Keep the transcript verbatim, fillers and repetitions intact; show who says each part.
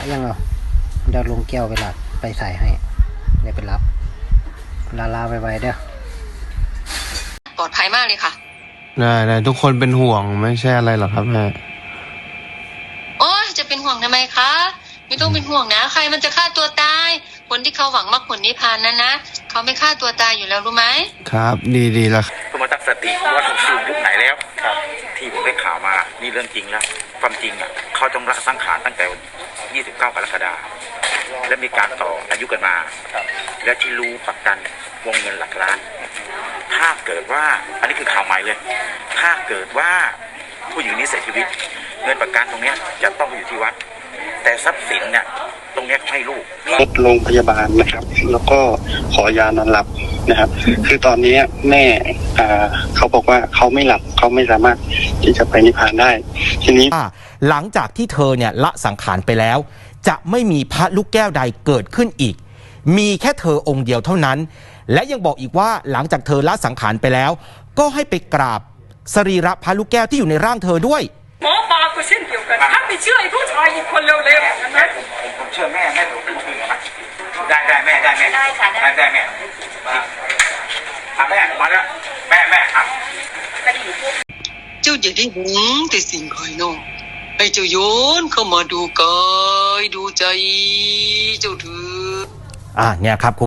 Speaker 1: ยังเอาเดี๋ยวลงแก้วไปหลับไปใส่ให้เดี๋ยวไปรับลาลาไวๆเด้อ
Speaker 2: ปลอดภัยมากเลยค่ะ
Speaker 3: ได้ได้ทุกคนเป็นห่วงไม่ใช่อะไรหรอกครับแม่
Speaker 2: โอ้ยจะเป็นห่วงทำไมคะไม่ต้องเป็นห่วงนะใครมันจะฆ่าตัวตายคนที่เขาหวังมรรคผลนิพพานนั้นนะเขาไม่ฆ่าตัวตายอยู่แล้วรู้ไหม
Speaker 3: ครับดีดีแล้ว
Speaker 4: สมตั้งสติว่าถูกสูงยุคไหนแล้วครับที่ผมได้ข่าวมานี่เรื่องจริงแล้วความจริงอ่ะเขาต้องละสังขารตั้งแต่ยี่สิบเก้ากรกฎาคมและมีการต่ออายุกันมาและที่รู้ประกันวงเงินหลักล้านถ้าเกิดว่าอันนี้คือข่าวใหม่เลยถ้าเกิดว่าผู้หญิงนี้เสียชีวิตเงินประกันตรงนี้จะต้องอยู่ที่วัดแต่ทรัพย์สินเนี่ยตรงนี้ให้ลูก
Speaker 5: โรงพยาบาลนะครับแล้วก็ขอยานอนหลับนะครับคือตอนนี้แม่อ่าเขาบอกว่าเขาไม่หลับเขาไม่สามารถที่จะไปนิพพานได้ทีนี้
Speaker 6: หลังจากที่เธอเนี่ยละสังขารไปแล้วจะไม่มีพระลูกแก้วใดเกิดขึ้นอีกมีแค่เธอองค์เดียวเท่านั้นและยังบอกอีกว่าหลังจากเธอละสังขารไปแล้วก็ให้ไปกราบสรีระพระลูกแก้วที่อยู่ในร่างเธอด้วย
Speaker 7: หมอปลาก็เช่นเดียวกันถ้าไม่เชื่อไอ้ผู้ชายอีกคนเร็วๆอย่างนั้นนะ
Speaker 4: ผมเชื่อแม่แม่ผมเชื่อนะได้ได้แม่ได้แม่ได้ค่ะได้ได้แม่มาแม่มาแล้วแม่แม่ครับ
Speaker 2: เจ้าอย่าได้หวงแต่สิ่งภายนอกให้เจ้าโยนเข้ามาดูกายดูใจเจ้าเถิด
Speaker 6: อ่าเนี่ยครับ